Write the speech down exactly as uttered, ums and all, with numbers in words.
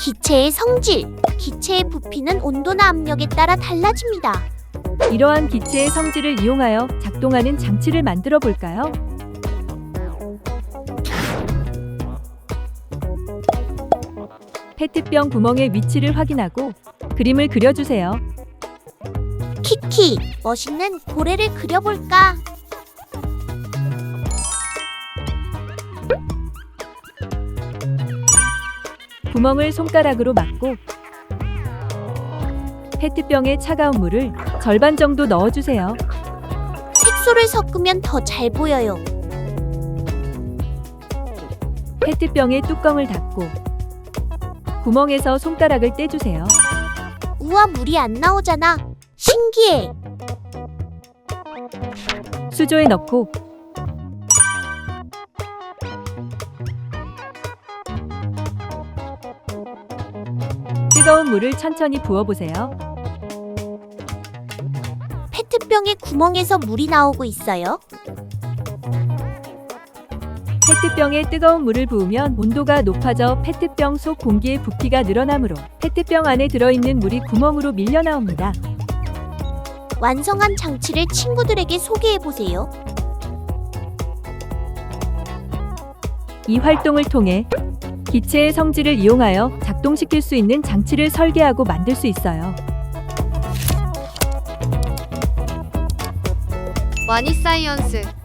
기체의 성질. 기체의 부피는 온도나 압력에 따라 달라집니다. 이러한 기체의 성질을 이용하여 작동하는 장치를 만들어 볼까요? 페트병 구멍의 위치를 확인하고 그림을 그려주세요. 키키, 멋있는 고래를 그려볼까? 구멍을 손가락으로 막고 페트병에 차가운 물을 절반 정도 넣어주세요. 색소를 섞으면 더 잘 보여요. 페트병의 뚜껑을 닫고 구멍에서 손가락을 떼주세요. 우와, 물이 안 나오잖아. 신기해. 수조에 넣고 뜨거운 물을 천천히 부어보세요. 페트병의 구멍에서 물이 나오고 있어요. 페트병에 뜨거운 물을 부으면 온도가 높아져 페트병 속 공기의 부피가 늘어나므로 페트병 안에 들어있는 물이 구멍으로 밀려 나옵니다. 완성한 장치를 친구들에게 소개해보세요. 이 활동을 통해 기체의 성질을 이용하여 작동시킬 수 있는 장치를 설계하고 만들 수 있어요. 와니사이언스